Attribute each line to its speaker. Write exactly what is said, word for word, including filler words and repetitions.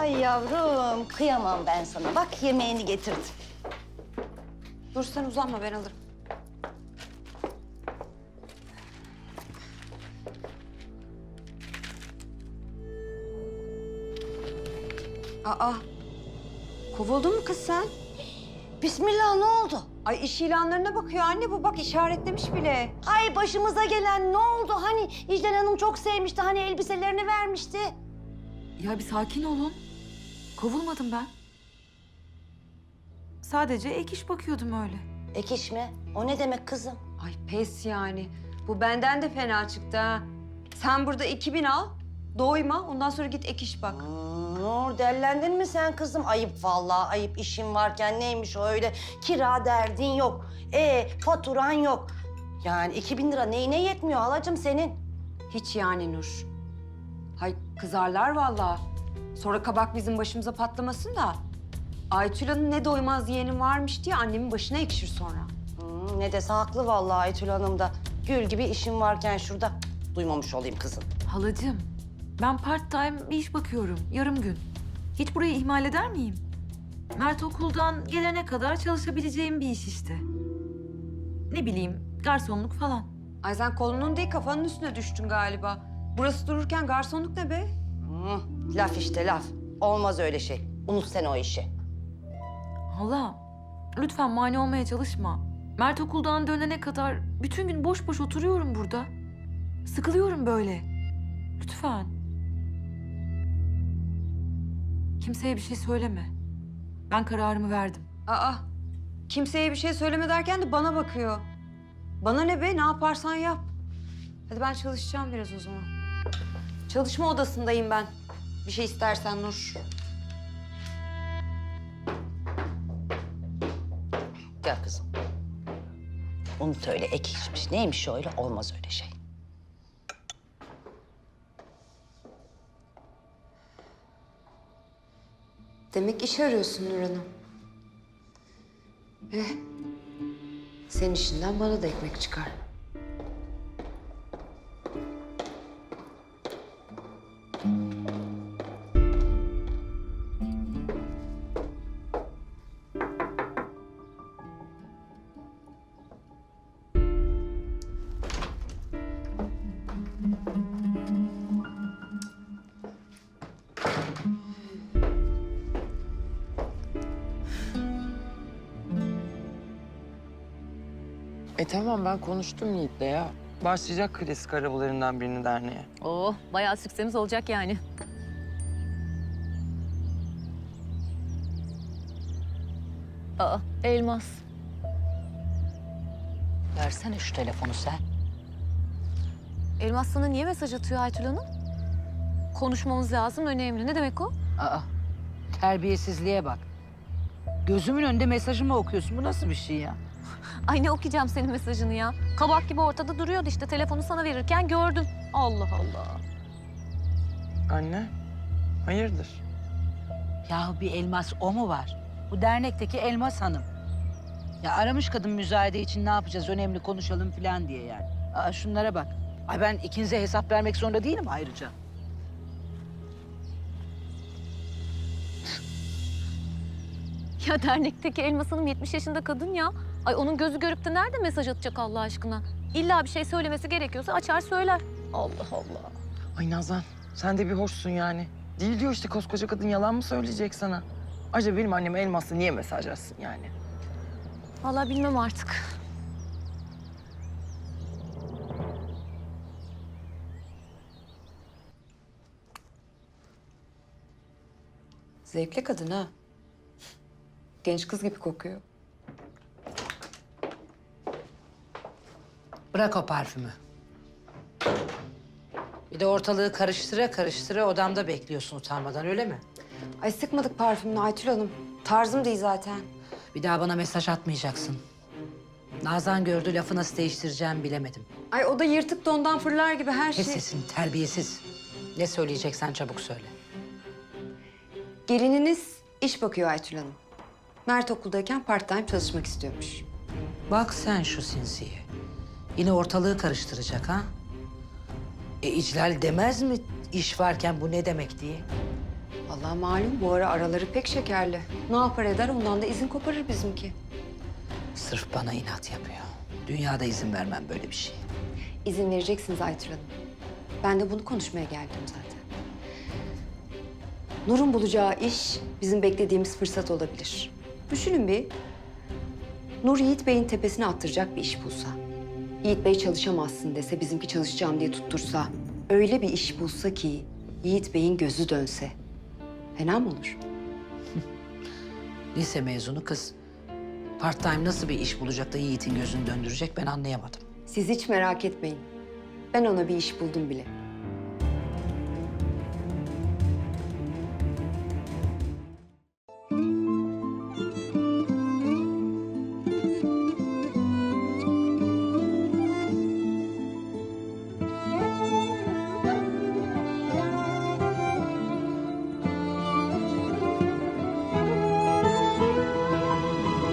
Speaker 1: Ay yavrum, kıyamam ben sana. Bak yemeğini getirdim.
Speaker 2: Dur sen uzanma, ben alırım. Aa, kovuldun mu kız sen?
Speaker 1: Bismillah, ne oldu?
Speaker 2: Ay iş ilanlarına bakıyor anne, bu bak işaretlemiş bile.
Speaker 1: Ay başımıza gelen ne oldu? Hani İclal Hanım çok sevmişti, hani elbiselerini vermişti.
Speaker 3: Ya bir sakin olun. Kovulmadım ben. Sadece ek iş bakıyordum öyle.
Speaker 1: Ek iş mi? O ne demek kızım?
Speaker 2: Ay pes yani. Bu benden de fena çıktı ha. Sen burada iki bin al, doyma, ondan sonra git ek iş bak.
Speaker 1: Hmm, Nur, dellendin mi sen kızım? Ayıp vallahi, ayıp. İşin varken neymiş o öyle? Kira derdin yok. E faturan yok. Yani iki bin lira neyine yetmiyor halacığım senin?
Speaker 2: Hiç yani Nur. Hay kızarlar vallahi. Sonra kabak bizim başımıza patlamasın da. Aytül'ün ne doymaz yeğenim varmış diye annemin başına ekşir sonra.
Speaker 1: Hmm, ne dese haklı vallahi Aytül Hanım da. Gül gibi işim varken şurada. Duymamış olayım kızım.
Speaker 3: Halacığım, ben part time bir iş bakıyorum. Yarım gün. Hiç burayı ihmal eder miyim? Mert okuldan gelene kadar çalışabileceğim bir iş işte. Ne bileyim, garsonluk falan.
Speaker 2: Ay sen kolunun değil kafanın üstüne düştün galiba. Burası dururken garsonluk ne be?
Speaker 1: Hmm, laf işte laf. Olmaz öyle şey. Unut sen o işi.
Speaker 3: Hala, lütfen mani olmaya çalışma. Mert okuldan dönene kadar bütün gün boş boş oturuyorum burada. Sıkılıyorum böyle. Lütfen. Kimseye bir şey söyleme. Ben kararımı verdim.
Speaker 2: Aa, kimseye bir şey söyleme derken de bana bakıyor. Bana ne be, ne yaparsan yap. Hadi ben çalışacağım biraz o zaman. Çalışma odasındayım ben. Bir şey istersen Nur.
Speaker 1: Gel kızım. Unut öyle ek işmiş. Neymiş öyle? Olmaz öyle şey.
Speaker 2: Demek iş arıyorsun Nur Hanım. Eh, senin işinden bana da ekmek çıkar.
Speaker 4: E tamam ben konuştum Yiğit'le ya. Başlayacak klasik arabalarından birini derneğe.
Speaker 5: Oo, bayağı süksemiz olacak yani. Aa, elmas.
Speaker 1: Versene şu telefonu sen.
Speaker 5: Elmas sana niye mesaj atıyor Aytül Hanım? Konuşmamız lazım, önemli. Ne demek o?
Speaker 6: Aa, terbiyesizliğe bak. Gözümün önünde mesajımı okuyorsun. Bu nasıl bir şey ya?
Speaker 5: Ay ne okuyacağım senin mesajını ya? Kabak gibi ortada duruyordu işte. Telefonu sana verirken gördüm. Allah Allah.
Speaker 4: Anne, hayırdır?
Speaker 6: Yahu bir elmas o mu var? Bu dernekteki Elmas Hanım. Ya aramış kadın müzayede için ne yapacağız, önemli konuşalım falan diye yani. Aa şunlara bak. Ay ben ikinize hesap vermek zorunda değilim ayrıca.
Speaker 5: Ya dernekteki Elmas Hanım yetmiş yaşında kadın ya. Ay onun gözü görüp de nerede mesaj atacak Allah aşkına? İlla bir şey söylemesi gerekiyorsa açar söyler. Allah Allah.
Speaker 4: Ay Nazan, sen de bir hoşsun yani. Değil diyor işte koskoca kadın yalan mı söyleyecek sana? Acaba benim annem Elmas'la niye mesaj atsın yani?
Speaker 5: Vallahi bilmem artık.
Speaker 2: Zevkli kadın ha. Genç kız gibi kokuyor.
Speaker 6: Bırak o parfümü. Bir de ortalığı karıştıra karıştıra odamda bekliyorsun utanmadan öyle mi?
Speaker 2: Ay sıkmadık parfümünü Aytül Hanım. Tarzım değil zaten.
Speaker 6: Bir daha bana mesaj atmayacaksın. Nazan gördü lafı nasıl değiştireceğimi bilemedim.
Speaker 2: Ay o da yırtık dondan fırlar gibi her
Speaker 6: Kes
Speaker 2: şey.
Speaker 6: sesini terbiyesiz. Ne söyleyeceksen çabuk söyle.
Speaker 2: Gelininiz iş bakıyor Aytül Hanım. Mert okuldayken part time çalışmak istiyormuş.
Speaker 6: Bak sen şu sinsiye. Yine ortalığı karıştıracak ha? E İclal demez mi iş varken bu ne demek diye?
Speaker 2: Vallahi malum bu ara araları pek şekerli. Ne yapar eder ondan da izin koparır bizimki.
Speaker 6: Sırf bana inat yapıyor. Dünyada izin vermem böyle bir şey.
Speaker 2: İzin vereceksiniz Aytül Hanım. Ben de bunu konuşmaya geldim zaten. Nur'un bulacağı iş bizim beklediğimiz fırsat olabilir. Düşünün bir. Nur Yiğit Bey'in tepesine attıracak bir iş bulsa. Yiğit Bey çalışamazsın dese, bizimki çalışacağım diye tuttursa. Öyle bir iş bulsa ki Yiğit Bey'in gözü dönse. Fena mı olur?
Speaker 6: Lise mezunu kız. Part time nasıl bir iş bulacak da Yiğit'in gözünü döndürecek ben anlayamadım.
Speaker 2: Siz hiç merak etmeyin. Ben ona bir iş buldum bile.